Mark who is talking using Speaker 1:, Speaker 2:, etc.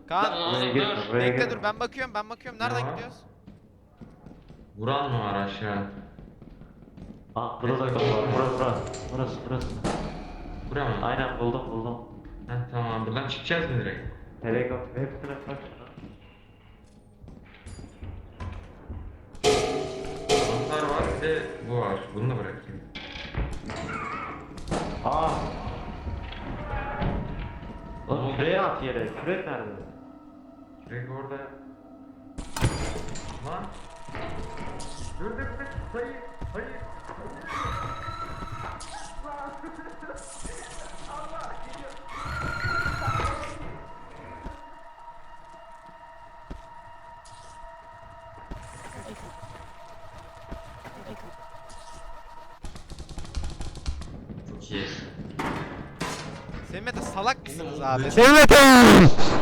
Speaker 1: Kaan
Speaker 2: Buraya girme, buraya
Speaker 1: bekle
Speaker 2: girme.
Speaker 1: dur ben bakıyorum Nereden
Speaker 3: Ne var?
Speaker 1: gidiyoruz?
Speaker 3: Vuran mı var aşağı?
Speaker 2: Aa, burada da kapı var. Burası.
Speaker 3: Buraya mı?
Speaker 2: Aynen buldum.
Speaker 3: Heh, tamam, buradan çıkacağız mı direkt?
Speaker 2: Helikopter hepsine bak şuna.
Speaker 3: Anahtar var, bir de bu var. Bunu da bırakayım.
Speaker 2: Aa. Oğlum şuraya at yere. Kürek nerede?
Speaker 3: Direkt orada. Lan! Dur, hayır. Çok iyi.
Speaker 1: Semih Mete salak mısınız
Speaker 3: Oğlum,
Speaker 1: abi?
Speaker 3: ben-
Speaker 1: Semih Mete!